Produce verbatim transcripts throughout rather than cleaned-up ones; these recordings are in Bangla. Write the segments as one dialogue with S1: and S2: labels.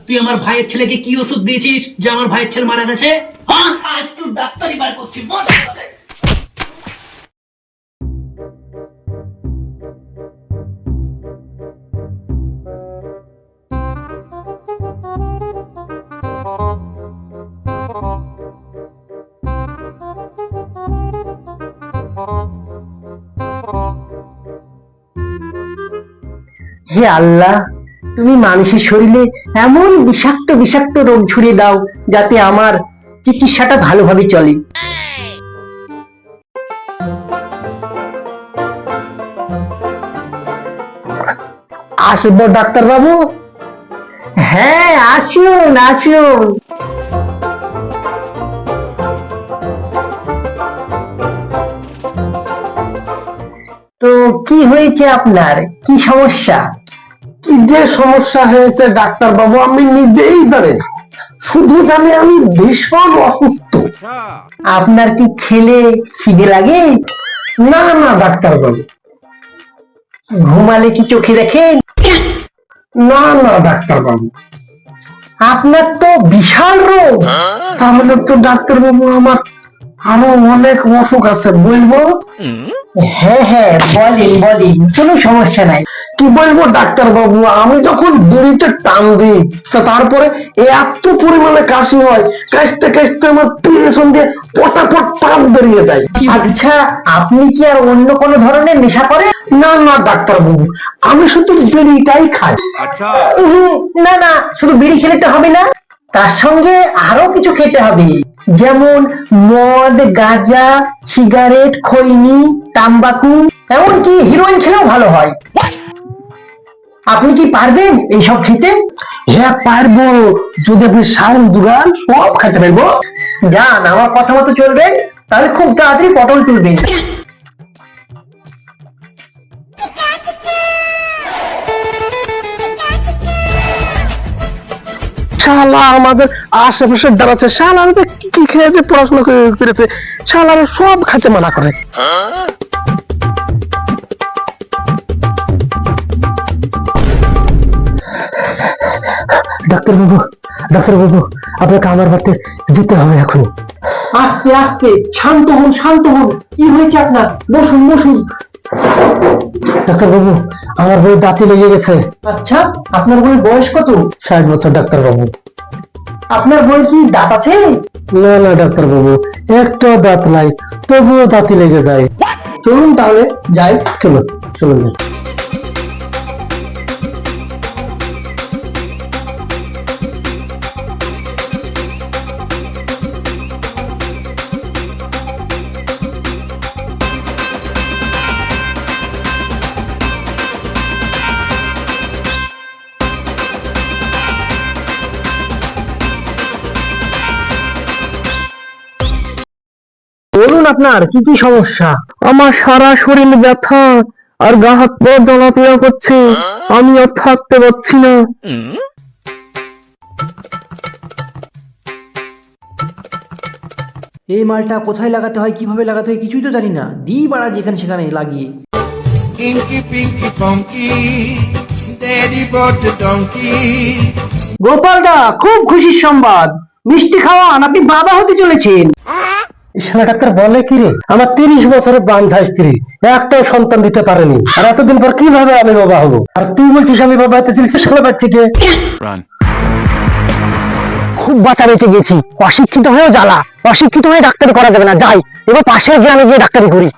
S1: তুই আমার ভাইয়ের ছেলেকে কি ওষুধ দিয়েছিস যে আমার ভাইয়ের ছেলে মারা গেছে? হ্যাঁ, আজ তুই ডাক্তারি বার করছিস।
S2: হে আল্লাহ, তুমি মানুষের শরীরে এমন বিষাক্ত বিষাক্ত রোগ ছড়িয়ে দাও যাতে আমার চিকিৎসাটা ভালোভাবে চলে। আসবো ডাক্তার বাবু? হ্যাঁ, আসুন আসুন। তো কি হয়েছে আপনার? কি সমস্যা?
S3: কি যে সমস্যা হয়েছে ডাক্তার বাবু আমি নিজেই জানি না, শুধু জানি আমি ভীষণ অসুস্থ।
S2: আপনার কি খেলে খিদে লাগে?
S3: না না ডাক্তার বাবু।
S2: ঘুমালে কি চোখে দেখেন?
S3: না না ডাক্তার বাবু।
S2: আপনার তো বিশাল রোগ।
S3: তাহলে তো ডাক্তার বাবু আমার আরো অনেক অসুখ আছে, বলবো?
S2: হ্যাঁ হ্যাঁ, বলেন বলেন, কোনো সমস্যা নাই।
S3: কি বলবো ডাক্তার বাবু, আমি যখন বিড়িতে টান দিই তো তারপরে এত পরিমাণে কাশি হয়, কাশতে কাশতে আমার পেছন দিয়ে পটাপট টান বেরিয়ে যায়।
S2: আচ্ছা, আপনি কি আর অন্য কোনো ধরনের নেশা করেন?
S3: না না ডাক্তার বাবু, আমি শুধু বিড়িটাই খাই।
S2: উহুম, না না, শুধু বিড়ি খেলে তো হবে না, তার সঙ্গে আরো কিছু খেতে হবে, যেমন মদ, গাঁজা, সিগারেট, খৈনি, তাম্বাকু, এমনকি হিরোইন খেলেও ভালো হয়। আপনি কি পারবেন এইসব খেতে?
S3: হ্যাঁ পারবো, যদি আপনি সার জোগান সব খেতে পারবো।
S2: যান, আমার কথা মতো চলবেন, তাহলে খুব তাড়াতাড়ি পটল তুলবেন।
S3: শালা আমাদের আশেপাশে দাঁড়াচ্ছে, শালা যে কি খেয়েছে, পড়াশোনা করেছে, শালা সব খাচ্ছে মানা করে। ডাক্তার বাবু, ডাক্তার বাবু, আপনাকে আমার বাড়িতে যেতে হবে এখন।
S2: আস্তে আস্তে, শান্ত হন শান্ত হন। কি হয়েছে আপনার? বসুন বসুন।
S3: ডাক্তার বাবু, আমার বই দাঁতি লেগে গেছে।
S2: আচ্ছা, আপনার বইয়ের বয়স কত?
S3: ষাট বছর ডাক্তার বাবু।
S2: আপনার বইয়ের কি দাঁত আছে?
S3: না না ডাক্তার বাবু, একটা দাঁত নাই, তবুও দাঁতি লেগে যায়।
S2: চলুন তাহলে যাই।
S3: চলো চলুন।
S2: বলুন, আপনার কি কি সমস্যা?
S3: আমার সারা শরীর ব্যথা আর গা হাত পা জ্বালাপোড়া করছে, আমি আর থাকতে পারছি না।
S4: এই মালটা কোথায় লাগাতে হয়, কিভাবে লাগাতে হয় কিছুই তো জানি না, দিই বাড়া যেখানে সেখানে লাগিয়ে।
S5: Inky Pinky Punky, Daddy bought the donkey.
S2: গোপালদা, খুব খুশির সংবাদ, মিষ্টি খাওয়ান, আপনি বাবা হতে চলেছেন।
S3: শালা ডাক্তার বলে কি রে, আমার তিরিশ বছরের বাঞ্ছা স্ত্রী একটাও সন্তান দিতে পারেনি, আর এতদিন পর কিভাবে আমি বাবা হবো? আর তুই বলছিস আমি বাবা হতে চলেছি, শালা বাচ্চাকে।
S2: খুব বাঁচা বেঁচে গেছি, অশিক্ষিত হয়েও জ্বালা, অশিক্ষিত হয়ে ডাক্তারি করা যাবে না, যাই এবার পাশের গ্রামে গিয়ে ডাক্তারি করি।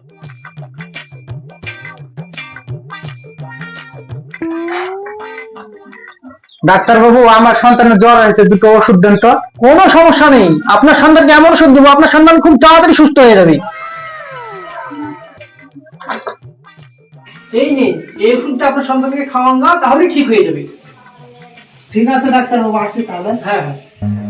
S3: ডাক্তার বাবু, আমার সন্তানের জ্বর হয়েছে, দুটো ওষুধ দেন তো।
S2: কোনো সমস্যা নেই, আপনার সন্তানকে এমন ওষুধ দেবো, আপনার সন্তান খুব তাড়াতাড়ি সুস্থ হয়ে যাবে।
S4: এই নিন, এই ওষুধটা আপনার সন্তানকে খাওয়ান না, তাহলে ঠিক হয়ে যাবে।
S5: ঠিক আছে ডাক্তার বাবু, আসছি তাহলে।
S4: হ্যাঁ হ্যাঁ।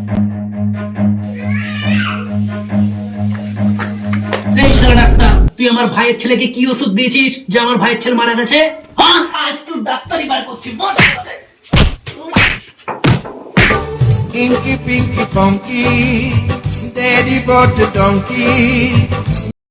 S1: এই শালা ডাক্তার, তুই আমার ভাইয়ের ছেলেকে কি ওষুধ দিয়েছিস যে আমার ভাইয়ের ছেলে মারা গেছে? হ্যাঁ, আজ তুই ডাক্তারি বার করছিস।
S5: Inky Pinky Punky, Daddy bought the donkey.